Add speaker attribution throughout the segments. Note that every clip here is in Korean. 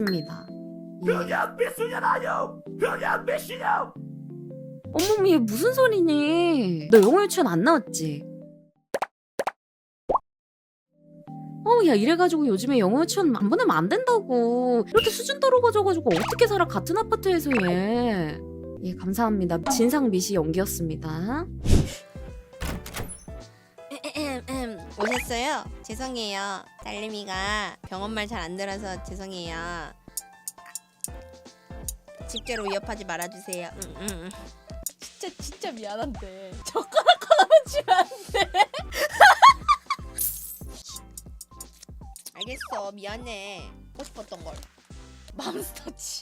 Speaker 1: 미신입니다.
Speaker 2: 그냥 미신이라요. 그냥 미신이요.
Speaker 1: 어머머, 얘 무슨 소리니? 너 영어 유치원 안 나왔지? 야, 이래가지고 요즘에 영어 유치원 안 보내면 안 된다고. 이렇게 수준 떨어져가지고 어떻게 살아, 같은 아파트에서 얘. 예, 감사합니다. 진상 미시 연기였습니다.
Speaker 3: 오셨어요? 죄송해요. 딸내미가 병원 말 잘 안 들어서 죄송해요. 집게로 위협하지 말아주세요.
Speaker 4: 진짜 미안한데 젓가락 하나만 주면 안 돼?
Speaker 3: 알겠어. 미안해. 하고 싶었던 걸.
Speaker 4: 맘스터치.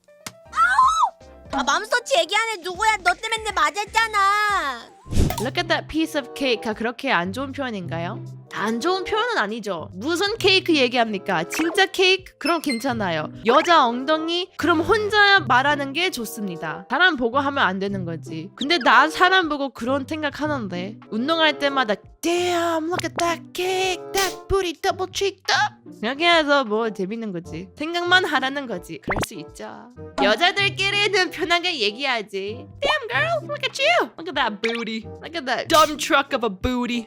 Speaker 3: 아 맘스터치 얘기하네. 누구야? 너 때문에 맞았잖아.
Speaker 5: Look at that piece of cake가 그렇게 안 좋은 표현인가요? 안 좋은 표현은 아니죠. 무슨 케이크 얘기합니까? 진짜 케이크? 그럼 괜찮아요. 여자 엉덩이? 그럼 혼자 말하는 게 좋습니다. 사람 보고 하면 안 되는 거지. 근데 나 사람 보고 그런 생각하는데 운동할 때마다 Damn, look at that cake, that booty double cheeked up. 이렇게 해서 뭐 재밌는 거지. 생각만 하라는 거지. 그럴 수 있죠. 여자들끼리는 편하게 얘기하지. Damn girl, look at you. Look at that booty. Look at that dumb truck of a booty.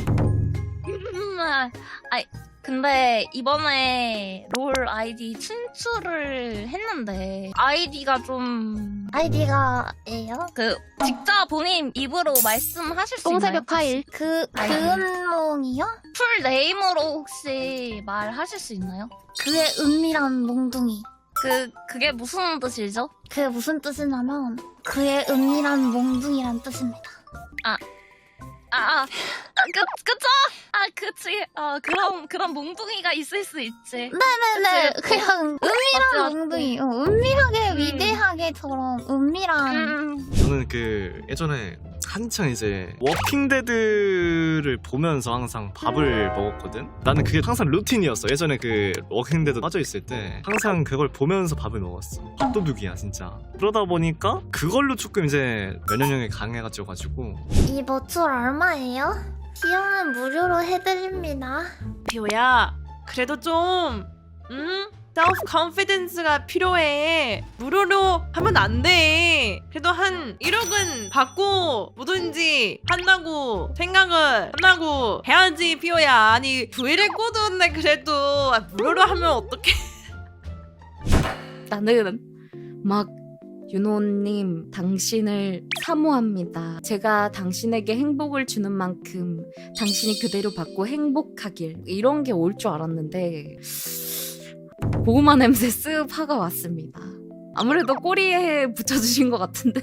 Speaker 6: 근데 이번에 롤 아이디 친추를 했는데 아이디가 좀
Speaker 7: 아이디가예요?
Speaker 6: 직접 본인 입으로 말씀하실 수 있나요?
Speaker 7: 똥새벽 파일
Speaker 6: 아이디.
Speaker 7: 그은몽이요?
Speaker 6: 풀 네임으로 혹시 말하실 수 있나요?
Speaker 7: 그의 은밀한 몽둥이.
Speaker 6: 그게 무슨 뜻이죠?
Speaker 7: 그게 무슨 뜻이냐면 그의 은밀한 몽둥이란 뜻입니다.
Speaker 6: 그쵸? 그치. 그런 몽둥이가 있을 수 있지.
Speaker 7: 네네네.
Speaker 6: 그치.
Speaker 7: 그냥 은밀한
Speaker 6: 맞지.
Speaker 7: 몽둥이. 은밀하게 위대하게처럼 은밀한.
Speaker 8: 저는 그 예전에 한창 이제 워킹데드를 보면서 항상 밥을 먹었거든. 나는 그게 항상 루틴이었어. 예전에 그 워킹데드 빠져 있을 때 항상 그걸 보면서 밥을 먹었어. 밥도둑이야 진짜. 그러다 보니까 그걸로 조금 이제 면역력이 강해가지고
Speaker 7: 이 버추얼 얼마예요? 비용은 무료로 해드립니다.
Speaker 5: 비오야, 그래도 좀 self confidence가 필요해. 무료로 하면 안 돼. 그래도 한 1억은 받고 뭐든지 한다고 생각을 한다고 해야지, 비오야. 아니 부위를 꽂았는데 그래도 무료로 하면 어떡해.
Speaker 1: 나는 막 윤호님, 당신을 사모합니다. 제가 당신에게 행복을 주는 만큼 당신이 그대로 받고 행복하길, 이런 게 올 줄 알았는데 고구마 냄새 쓱 파가 왔습니다. 아무래도 꼬리에 붙여주신 것 같은데.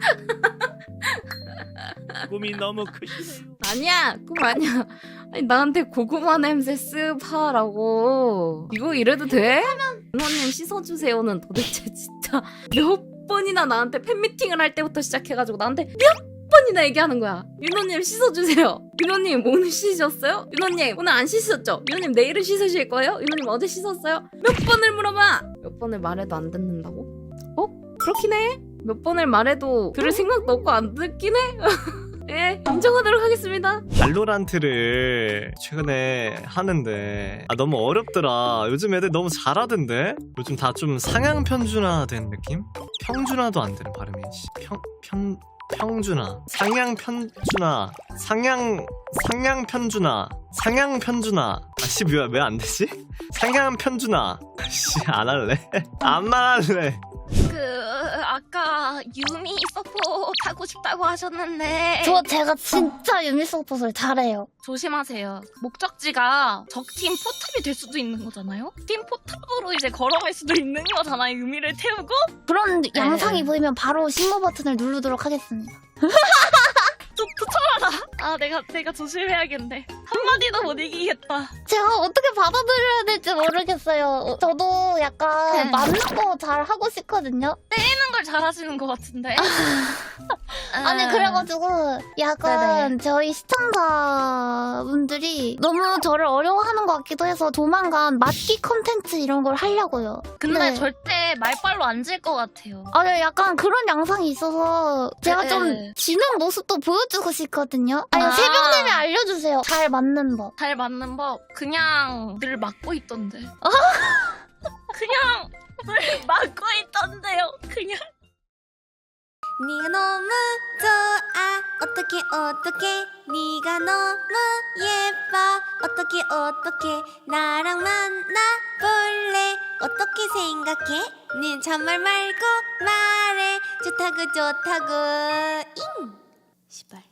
Speaker 2: 꿈이 너무 크시네요.
Speaker 1: 아니야, 꿈 아니야. 아니, 나한테 고구마 냄새 쓱 파라고. 이거 이래도 돼? 윤호님 씻어주세요는 도대체 진짜 몇 번이나 나한테 팬미팅을 할 때부터 시작해가지고 나한테 몇 번이나 얘기하는 거야. 윤호님 씻어주세요. 윤호님 오늘 씻으셨어요? 윤호님 오늘 안 씻으셨죠? 윤호님 내일은 씻으실 거예요? 윤호님 어제 씻었어요? 몇 번을 물어봐! 몇 번을 말해도 안 듣는다고? 그렇긴 해. 몇 번을 말해도 들을 생각도 없고 안 듣긴 해. 예, 인정하도록 하겠습니다.
Speaker 8: 발로란트를 최근에 하는데 너무 어렵더라. 요즘 애들 너무 잘하던데. 요즘 다 좀 상향 편준화된 느낌? 평준화도 안 되는 발음이. 평준화, 상향 편준화, 상향 편준화. 아씨 왜 안 되지? 상향 편준화. 씨 안 할래. 안 말할래.
Speaker 6: 아까 유미 서포 타고 싶다고 하셨는데
Speaker 7: 제가 진짜 유미 서폿을 잘해요.
Speaker 6: 조심하세요. 목적지가 적팀 포탑이 될 수도 있는 거잖아요? 팀 포탑으로 이제 걸어갈 수도 있는 거잖아요. 유미를 태우고?
Speaker 7: 그런 양상이 보이면 바로 신고 버튼을 누르도록 하겠습니다.
Speaker 6: 좀 붙여라. 내가 조심해야겠네. 한마디도 못 이기겠다.
Speaker 7: 제가 어떻게 받아들여야 될지 모르겠어요. 저도 약간 맞는 거 잘 하고 싶거든요.
Speaker 6: 하는 걸 잘하시는 것 같은데.
Speaker 7: 아니 그래가지고 약간 저희 시청자분들이 너무 저를 어려워하는 것 같기도 해서 조만간 맞기 컨텐츠 이런 걸 하려고요.
Speaker 6: 근데
Speaker 7: 네.
Speaker 6: 절대 말빨로 안 질 것 같아요.
Speaker 7: 아니 약간 그런 양상이 있어서 제가 좀 지는 모습도 보여주고 싶거든요. 아니 새벽내에 알려주세요. 잘 맞는 법.
Speaker 6: 잘 맞는 법 그냥 늘 맞고 있던데. 그냥 있던데요. 그냥.
Speaker 3: 네가 너무 좋아 어떡해 네가 너무 예뻐 어떡해 나랑 만나볼래 어떻게 생각해 는 잔말 말고 말해 좋다고 잉 시발